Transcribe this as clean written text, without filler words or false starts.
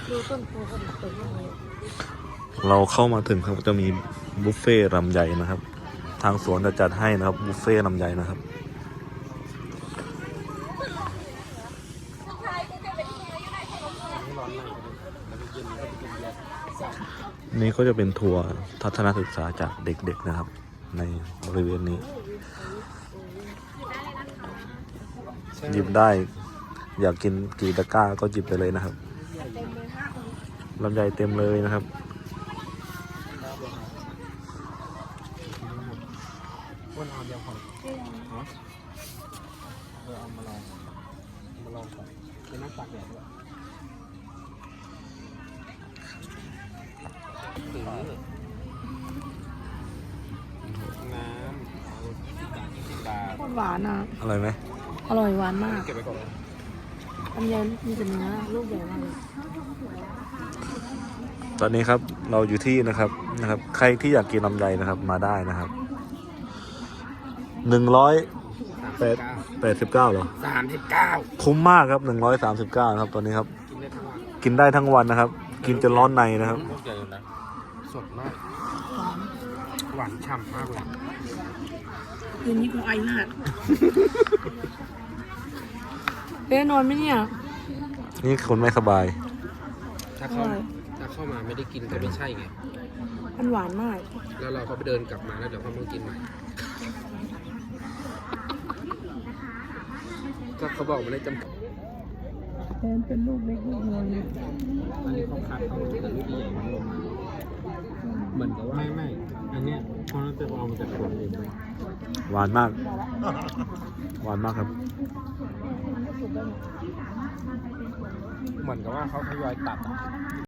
ดูต้นโพก็ดีต้นเลยเราเข้ามาถึงครับจะมีบุฟเฟ่ต์ลำไยนะครับ ทางสวนจะจัดให้นะครับบุฟเฟ่ต์ลำไยนะครับนี่ก็จะเป็นทัวร์ทัศนศึกษาจากเด็กๆนะครับ ในบริเวณนี้หยิบได้อยากกินกี่ตะกร้าก็หยิบไปเลยนะครับลำไยเต็มเลยนะครับวันเอาเดียวพอเอามาลองก่อนเป็นน้ำตากแดดด้วยน้ำโคตรหวานอ่ะอร่อยไหมอร่อยหวานมากเก็บไว้ก่อนลำไยมีแต่เนื้อลูกใหญ่มากเลยตอนนี้ครับเราอยู่ที่นะครับใครที่อยากกินลำไยนะครับมาได้นะครับ189เหรอ 39 คุ้มมากครับ139ครับตอนนี้ครับกินได้ทั้งวันกินได้ทั้งวันนะครับ กินจนร้อนในนะครับลูกใหญ่อยู่นะสดมากหวานฉ่ำมากเลยคืนนี้กูไอมากเป๊ะนอนไหมเนี่ยนี่คนไม่สบายถ้าเข้ามาไม่ได้กินก็ไม่ใช่ไงมันหวานมากแล้วเราก็ไปเดินกลับมาแล้วเดี๋ยวเขามากินใหม่ก็เขาบอกมันได้จำกัดเป็นลูกเล็กลูกน้อยอันนี้เขาคัดเอาแต่ลูกใหญ่มันลงมาเหมือนกับว่าไม่อันเนี้ยเพราะนั่นจะเอามาจากสวนเองเลยหวานมากหวานมากครับเหมือนกับว่าเขาทยอยตัด